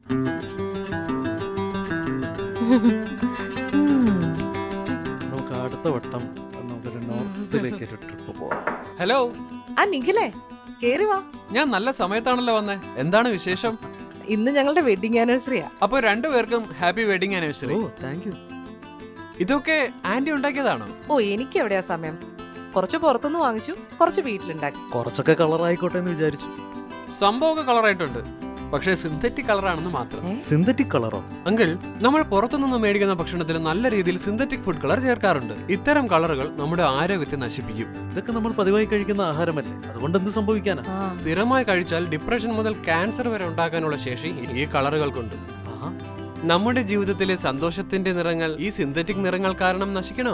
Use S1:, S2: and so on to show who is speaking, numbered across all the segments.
S1: നമുക്ക് അടുത്ത വട്ടം നമുക്കൊരു നോർത്തിലേക്ക് ഒരു ട്രിപ്പ് പോവാം.
S2: ഹലോ,
S3: ആ നിഖിലേ, കേറി വാ.
S2: ഞാൻ നല്ല സമയത്താണല്ലോ വന്നേ. എന്താണ് വിശേഷം?
S3: ഇന്ന് ഞങ്ങളുടെ വെഡിങ് ആനിവേഴ്സറിയാ.
S2: അപ്പൊ രണ്ടുപേർക്കും ഹാപ്പി വെഡിങ് ആനിവേഴ്സറി.
S1: ഓ താങ്ക് യു.
S2: ഇതൊക്കെ ആന്റി ഉണ്ടാക്കിയതാണോ?
S3: ഓ, എനിക്ക് എവിടെയാ സമയം. കുറച്ച് പുറത്തുനിന്ന് വാങ്ങിച്ചു, കുറച്ച് വീട്ടിലുണ്ടാക്കി.
S1: കുറച്ചൊക്കെ കളർ ആയിക്കോട്ടെ എന്ന് വിചാരിച്ചു.
S2: സംഭവമൊക്കെ കളറായിട്ടുണ്ട്, പക്ഷേ സിന്തറ്റിക് കളറാണെന്ന് മാത്രം.
S1: സിന്തറ്റിക് കളറോ?
S2: അങ്കിൾ, നമ്മൾ പുറത്തുനിന്ന് മേടിക്കുന്ന ഭക്ഷണത്തിൽ നല്ല രീതിയിൽ സിന്തറ്റിക് ഫുഡ് കളർ ചേർക്കാറുണ്ട്. ഇത്തരം കളറുകൾ നമ്മുടെ ആരോഗ്യത്തെ നശിപ്പിക്കും.
S1: ഇതൊക്കെ നമ്മൾ പതിവായി കഴിക്കുന്ന ആഹാരമല്ലേ, അതുകൊണ്ട് എന്ത് സംഭവിക്കാനാ?
S2: സ്ഥിരമായി കഴിച്ചാൽ ഡിപ്രഷൻ മുതൽ ക്യാൻസർ വരെ ഉണ്ടാക്കാനുള്ള ശേഷി ഈ കളറുകൾക്കുണ്ട്. നമ്മുടെ ജീവിതത്തിലെ സന്തോഷത്തിന്റെ നിറങ്ങൾ ഈ സിന്തറ്റിക് നിറങ്ങൾ കാരണം നശിക്കണോ?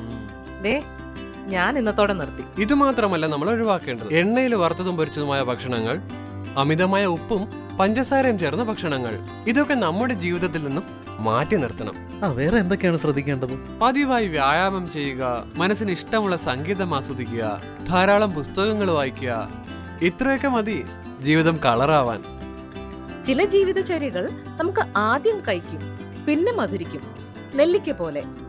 S3: ഞാൻ ഇന്നത്തോടെ നിർത്തി.
S2: ഇത് മാത്രമല്ല നമ്മൾ ഒഴിവാക്കേണ്ടത് എണ്ണയിൽ വറുത്തതും പൊരിച്ചതുമായ ഭക്ഷണങ്ങൾ, അമിതമായ ഉപ്പും പഞ്ചസാരയും ചേർന്ന ഭക്ഷണങ്ങൾ. ഇതൊക്കെ നമ്മുടെ ജീവിതത്തിൽ നിന്നും മാറ്റി നിർത്തണം.
S1: വേറെ എന്തൊക്കെയാണ് ശ്രദ്ധിക്കേണ്ടത്?
S2: പതിവായി വ്യായാമം ചെയ്യുക, മനസ്സിന് ഇഷ്ടമുള്ള സംഗീതം ആസ്വദിക്കുക, ധാരാളം പുസ്തകങ്ങൾ വായിക്കുക. ഇത്രയൊക്കെ മതി ജീവിതം കളറാവാൻ.
S3: ചില ജീവിതചര്യകൾ നമുക്ക് ആദ്യം കഴിക്കും, പിന്നെ മധുരിക്കും. നെല്ലിക്ക പോലെ